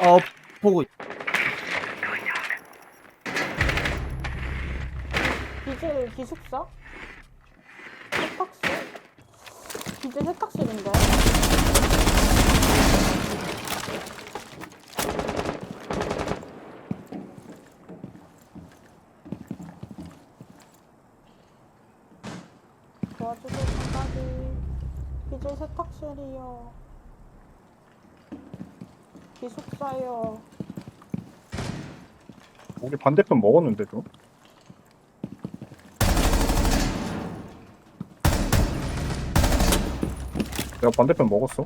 보고 비질 기숙사? 세탁실? 비질 세탁실인데? 도와주실 생각이 비질 세탁실이요. 기숙사요. 우리 반대편 먹었는데도. 내가 반대편 먹었어.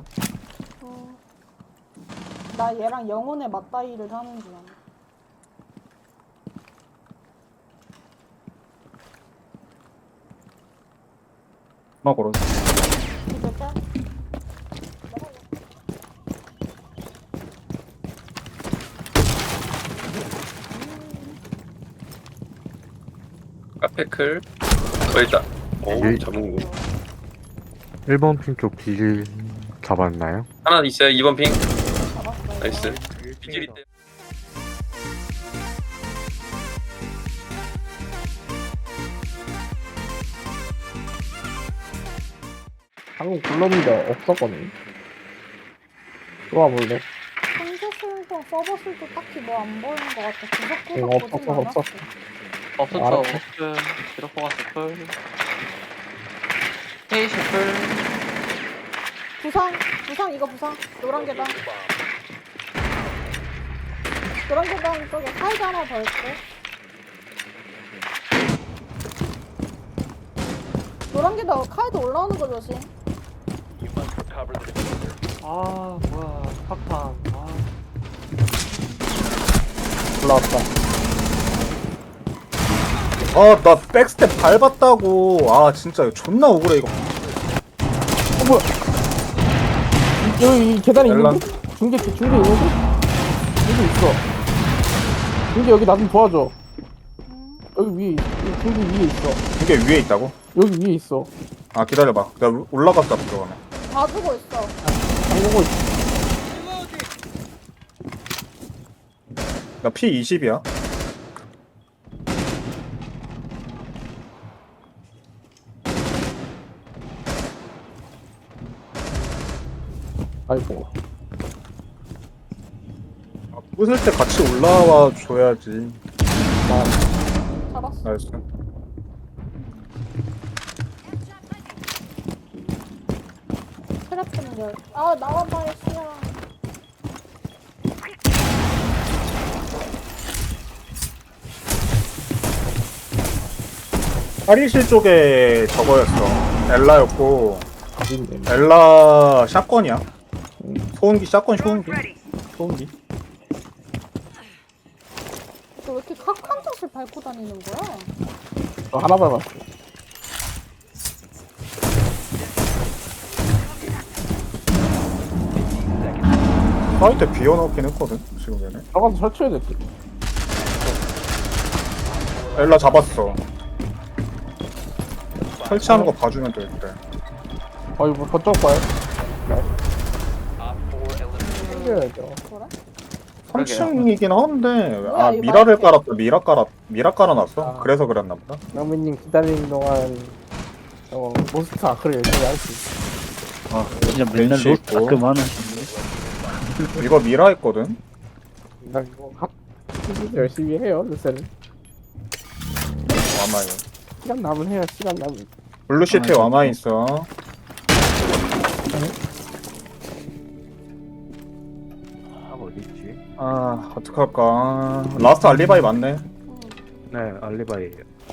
나 얘랑 영혼의 맞다이를 하는 중이야. 나 걸었어. 비질 짤? 카페클 일단 잡은 거 1번 핑 쪽 비질 잡았나요? 하나 있어요. 2번 핑 잡았어요. 나이스. 비질이 때 방금 불렀는데 없었거든. 들어와 볼래? 현재 수용통 써봤을 때 딱히 뭐 안 보이는 것 같아. 응, 구석 보진 없었어. 않았어. 없었죠. 알았어. 오픈 드롭퍼가 스플 헤이 셰플 부상 이거 부상. 노란 계단. 노란 계단 쪽에 사이즈 하나 더 있고. 노란 계단 카이드 올라오는 거 조심. 아 뭐야 팍팍 아 올라왔다. 아, 나 백스텝 밟았다고. 아, 진짜 이거 존나 억울해, 이거. 여기 이 계단에 엘란. 있는데? 중계 있는데? 여기 있어. 중계 여기 나 좀 도와줘. 여기 위에 이 중계 위에 있어. 이게 위에 있다고? 여기 위에 있어. 아, 기다려봐. 내가 올라갔다, 들어가네. 봐주고 있어. 잠그고 있어. 나 P20이야. 아이고. 부술 때 같이 올라와 줘야지. 잡았어. 나이스. 트랩 열. 아 나와봐요 시야. 탈의실 쪽에 저거였어. 엘라였고, 있네. 엘라 샷건이야. 소음기, 샷건 소음기. 소음기. 너 왜 이렇게 각한 샷을 밟고 다니는 거야? 저 하나 밟았어. 사이트 비워놓긴 했거든, 지금 얘네. 들어가서 설치해야 됐지. 엘라 잡았어. 설치하는 거 봐주면 될 때. 아이고, 저쪽 봐요. 챙겨야죠. 그래? 3층이긴 한데, 뭐야, 아, 이거 미라를 맛있게. 깔았다. 미라 깔아놨어. 아. 그래서 그랬나 보다. 영민님 기다리는 동안 몬스터 아크를 열심히 할 수 있어. 아, 진짜 맨날 벤치 로 있고. 가끔 하는 이거 미라 했거든? 나 이거 열심히 해요, 요새는. 와마이. 시간 남은 해요, 시간 남은. 블루시트에 와마이 있어. 아 어디있지? 아, 어떡할까. 라스트 알리바이 맞네. 네 알리바이.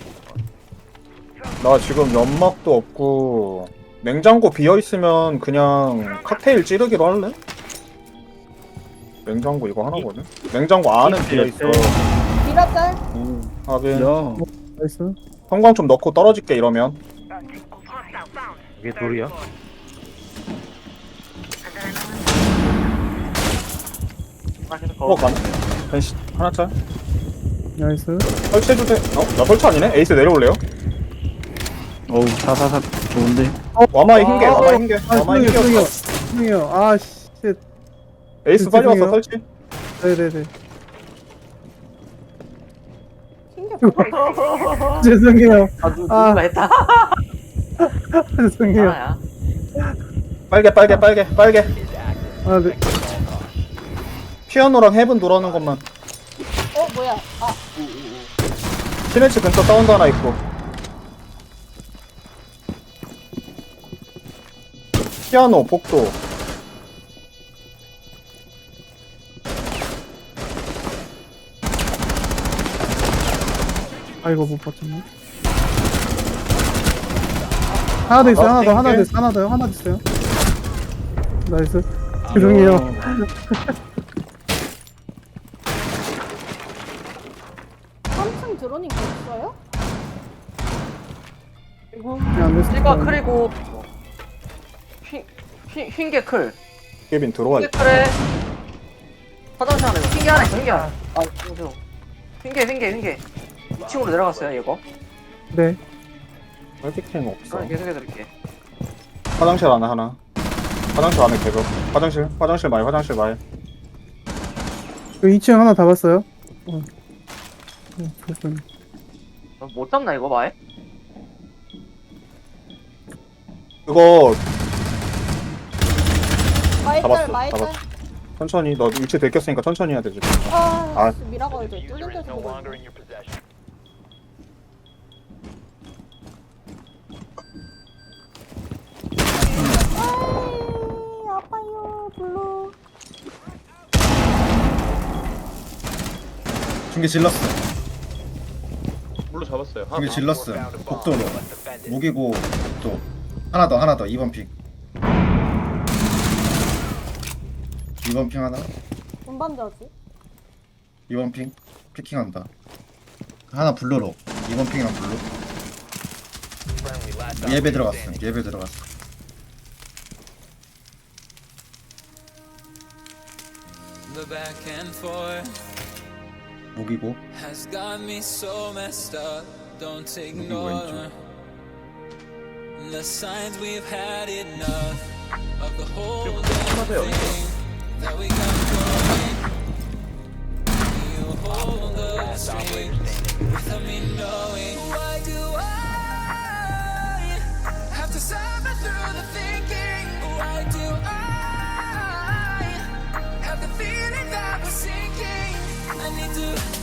나 지금 연막도 없고, 냉장고 비어있으면 그냥 칵테일 찌르기로 할래? 냉장고 이거 하나거든? 냉장고 안은 비어있어. 미라짤? 하긴. 야 나이스. 형광 좀 넣고 떨어질게, 이러면. 이게 돌이야? 어, 가네. 벤시 하나 짤. 나이스. 설치해주세요. 나 설치 아니네? 에이스 내려올래요? 어우 사사사 좋은데 와마이 흰개, 와마이 흰개. 와마이 흰개. 형이요. 아, 씨. 에이스 빨리 왔어, 설치. 네네네. 흰게 뭐가 있어? 죄송해요. 누가 했다. 죄송해요. 하나야. 빨개 빨개 빨개 빨개. 아, 네. 피아노랑 헤븐 돌아오는 것만. 뭐야? 아, 시네치 근처 사운드 하나 있고. 피아노 복도. 아이고, 못 봤잖아. 하나 더 있어요, 하나 더, 하나 더 있어요, 하나 더요, 하나 더 있어요. 나이스. 죄송해요. 3층 드로닝 됐어요? 안 됐어. 찌가 크리고 흰게 클. 케빈 들어와 흰게 있다. 클에 화장실 하나. 흰게 하나 있어. 흰게 하나. 아 잠시만. 흰게 2층으로 내려갔어요 이거. 네. 멀티캠 없어. 저는 계속해드릴게. 화장실 안에 하나. 화장실 안에 개그. 화장실 마이 화장실 마이. 그 2층 하나 다 봤어요? 됐어요. 못 잡나 이거 마에? 그거 마이짤, 잡았어, 마이짤. 잡았어. 천천히 너 위치 들켰으니까 천천히 해야 되지. 아, 미라가 이제 뚫린 데서 보고 있네. 아이, 아파요, 블루. 중계 질렀어. 물로 잡았어요. 중계 질렀어. 복도로. 무기고 복도. 하나 더 2번 핑. 2번 핑 하나. 운반자지? 2번 핑 피킹한다. 하나 블루로. 2번 핑이랑 블루. 예배 들어갔어. 예배 들어갔어. The back and forth 무기고. has got me so messed up. Don't ignore 왼쪽. the signs we've had enough of the whole damn thing that we got going. You hold the strings without me knowing. Why do I have to suffer through the thinking? Why do I have the feeling that we're sinking? I need to